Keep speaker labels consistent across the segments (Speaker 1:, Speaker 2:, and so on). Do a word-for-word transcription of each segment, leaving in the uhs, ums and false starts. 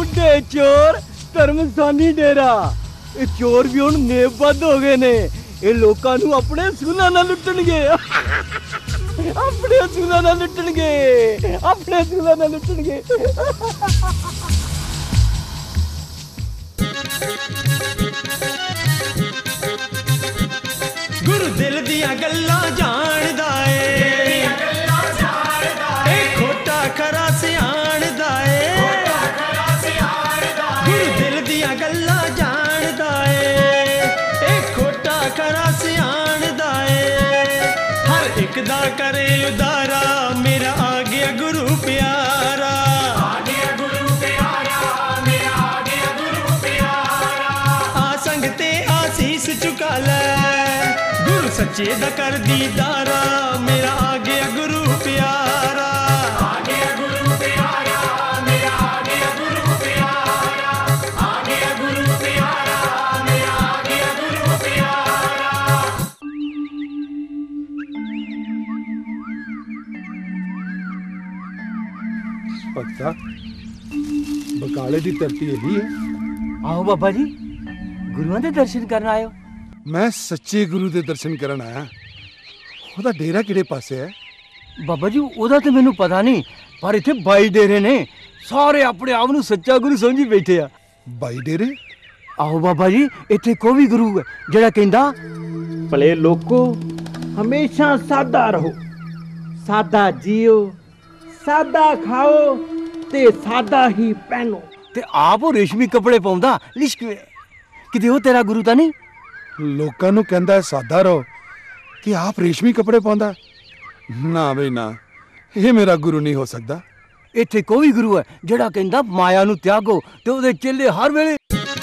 Speaker 1: बुढ़े चोर धर्मसानी डेरा ये चोर भी हुण नेबद्ध हो गए ने। ये लोकां नूं अपने सूलां नाल लुट्टणगे अपने सूलां नाल लुट्टणगे अपने सूलां नाल लुट्टणगे।
Speaker 2: गुरु दिल दियां गल्लां जानदा ए ए खोटा खरा सियाणदा ए गुरु दिल दियां गल्लां जानदा ए ए खोटा खरा सियाणदा ए हर एक दा करे उदारा मेरा आ गया गुरु प्यारा आ गया गुरु प्यारा मेरा आ गया गुरु प्यारा आ संग ते आसीस चुका ले सच्चे दा कर दीदारा मेरा आ गया गुरु प्यारा आ गया गुरु प्यारा मेरा आ गया गुरु प्यारा आ गया गुरु प्यारा मेरा आ गया गुरु प्यारा।
Speaker 3: भगता बकाले दी धरती यही है।
Speaker 1: आओ बाबा जी गुरुआं दे दर्शन करन आयो।
Speaker 3: मैं सच्चे गुरु दे दर्शन करन आया। ओदा डेरा किहड़े पासे है?
Speaker 1: बाबा जी ओदा ते मैनू पता नहीं पर इत्थे बाई डेरे ने सारे अपने आप नू सच्चा गुरु समझी बैठे आ।
Speaker 3: बाई डेरे?
Speaker 1: आओ बाबा जी इत्थे कोई भी गुरु है जेड़ा कहंदा भले लोको हमेशा सादा रहो सादा जियो सादा खाओ ते सादा ही पहनो ते आप वो रेशमी कपड़े पाउंदा लिश्कवे किते ओ तेरा गुरु ता नहीं?
Speaker 3: लोकां नू कहंदा है सादा रहो कि आप रेशमी कपड़े पाउंदा? ना बई ना ये मेरा गुरु नहीं हो सकता।
Speaker 1: इत्थे कोई गुरु है जेड़ा कहंदा माया नू त्यागो ते ओदे चेले हर वेले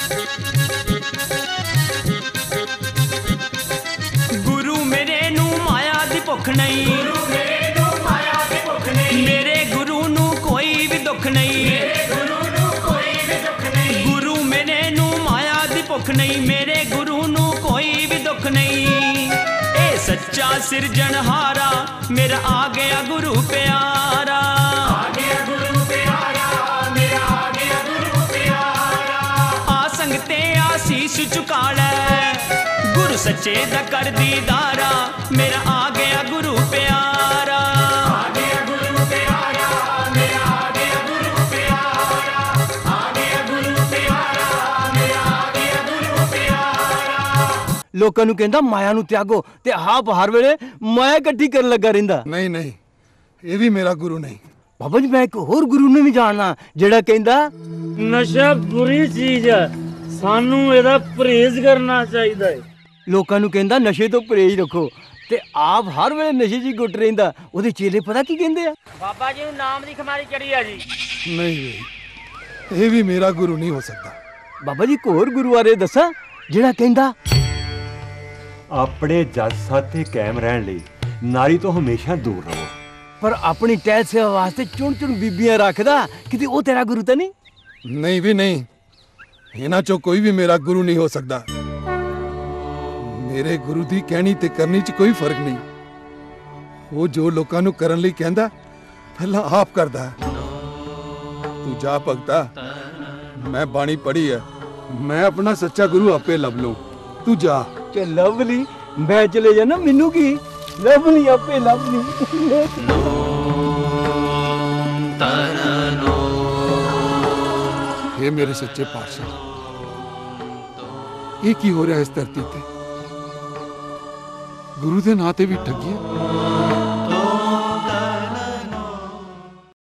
Speaker 2: गुरु मेरे नू माया दी भुख नहीं गुरु मेरे नू माया दी भुख नहीं मेरे गुरु नू कोई भी दुख नहीं गुरु नू कोई भी दुख नहीं गुरु मेरे नू माया दी भुख नहीं मेरे गुरु नू कोई भी दुख नहीं ए सच्चा सिरजनहारा मेरा आ गया गुरु प्यारा आ गया गुरु प्यारा मेरा आ गया गुरु प्यारा आ संगते आसीस चुका ले गुरु सच्चे दा कर दीदारा मेरा आ गया गुरु प्यारा आ गया गुरु प्यारा मेरा आ गया गुरु प्यारा आ गया गुरु प्यारा मेरा आ गया गुरु प्यारा।
Speaker 1: लोकां नू कहंदा माया नू त्यागो ते आप हर वेले माया इकट्ठी करन लगा रहिंदा।
Speaker 3: नहीं नहीं ये भी मेरा गुरु नहीं।
Speaker 1: बाबा जी मैं एक होर गुरु नू भी जानना जेड़ा कहंदा
Speaker 4: नशा बुरी चीज है सानू एदा परहेज करना चाहिदा है।
Speaker 1: लोकां नू कहंदा नशे तो परहेज रखो ते आप हर वेले नशे च गुट रहिंदा ओदे चेले पता की कहंदे आ?
Speaker 4: बाबा जी नू नाम दी खमारी चढ़ी है जी।
Speaker 3: नहीं भाई ये भी मेरा गुरु नहीं हो सकता।
Speaker 1: बाबा जी होर गुरु बारे दसा जेड़ा कहंदा
Speaker 5: अपने जस साथे कायम रहन लई नारी तो हमेशा दूर रहो
Speaker 1: पर अपनी टहल सेवा वास्ते चुन चुन बीबियां रखदा किते ओ तेरा गुरु तो नहीं?
Speaker 3: नहीं भी नहीं इन्हां चों कोई भी मेरा गुरु नहीं हो सकता। मेरे गुरु दी कहनी ते करनी च कोई फर्क नहीं। वो जो लोकां नू करन लई कहंदा पहला आप करदा है। तू जा भगता मैं बाणी पढ़ी है मैं अपना सच्चा गुरु आपे लभ लूं तू जा।
Speaker 1: चे लवली मैं चले जाना मैनू की लवली आपे लवली।
Speaker 3: हे मेरे सच्चे पातशाह ये की हो रहा है इस धरती पे? गुरु दे नां ते भी ठगी है।